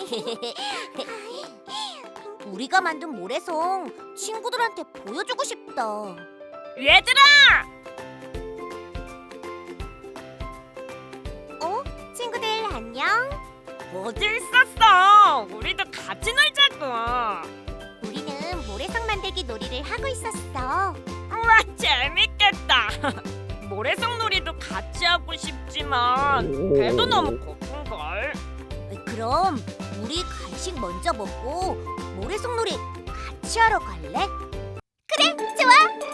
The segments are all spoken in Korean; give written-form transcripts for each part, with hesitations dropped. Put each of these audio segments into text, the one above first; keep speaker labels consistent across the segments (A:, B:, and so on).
A: 우리가 만든 모래성 친구들한테 보여주고 싶다.
B: 얘들아!
A: 친구들 안녕.
B: 어디 있었어? 우리도 같이 놀자고.
A: 우리는 모래성 만들기 놀이를 하고 있었어.
B: 우와, 재밌겠다. 모래성 놀이도 같이 하고 싶지만 배도 너무 고픈걸.
A: 그럼 우리 간식 먼저 먹고 모래성 놀이 같이 하러 갈래? 그래, 좋아.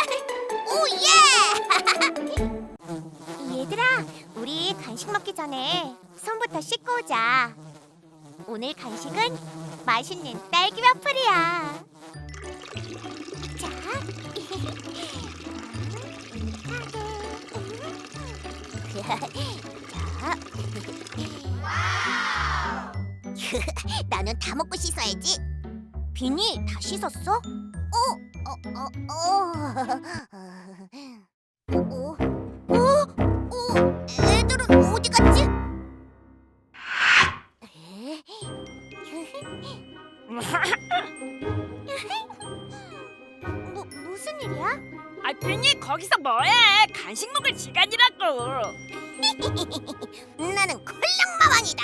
A: 오예! 얘들아, 우리 간식 먹기 전에 손부터 씻고 오자. 오늘 간식은 맛있는 딸기 와플이야. 자, 나는 다 먹고 씻어야지. 비니 다 씻었어? 애들은 어디 갔지? 무슨 일이야?
B: 아, 비니 거기서 뭐해? 간식 먹을 시간이라고.
A: 나는 콜록마왕이다.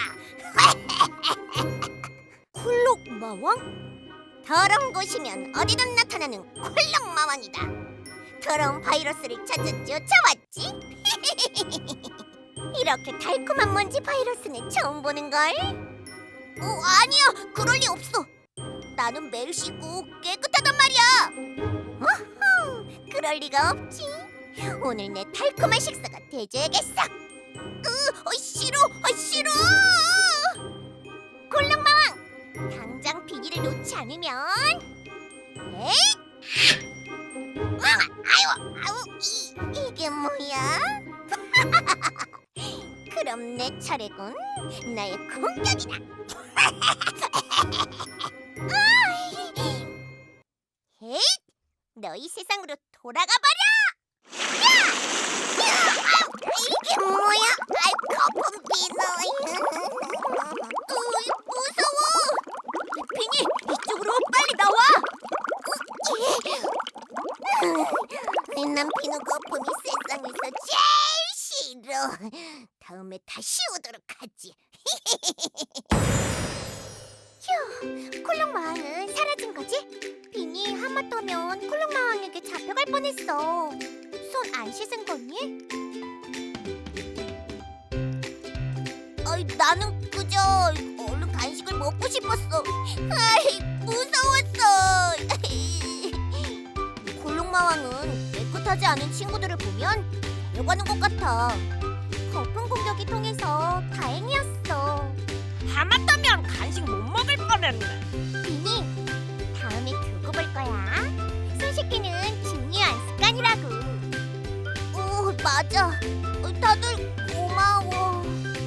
A: 콜록마왕? 더러운 곳이면 어디든 나타나는 콜록마왕이다. 더러운 바이러스를 찾아 쫓아왔지. 이렇게 달콤한 먼지 바이러스는 처음 보는걸? 아니야, 그럴 리 없어. 나는 매일 씻고 깨끗하단 말이야. 어허, 그럴 리가 없지. 오늘 내 달콤한 식사가 돼줘야겠어. 싫어, 싫어. 콜록마왕, 당장 비니를 놓지 않으면. 에이! 아유, 이게 뭐야? 그럼 내 차례군. 나의 공격이다. 에이! 너희 세상으로 돌아가 버려! 이게 뭐야? 거품 비너. 무서워. 비니, 이쪽으로 빨리 나와. 난 비누 거품이 세상에서 제일 싫어. 다음에 다시 오도록 하지. 휴, 콜록마왕은 사라진 거지? 비니, 하마터면 콜록마왕에게 잡혀갈 뻔했어. 손 안 씻은 거니? 나는 그저 얼른 간식을 먹고 싶었어. 무서웠어. 콜록마왕은 깨끗하지 않은 친구들을 보면 달려가는 것 같아. 거품 공격이 통해서 다행이었어.
B: 하마터면 간식 못 먹을 뻔했네.
A: 비니, 다음에 두고 볼 거야. 손 씻기는 중요한 습관이라고. 맞아. 다들 고마워.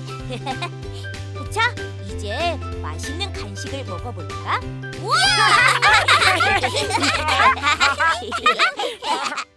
A: 자, 이제 맛있는 간식을 먹어볼까? 우와!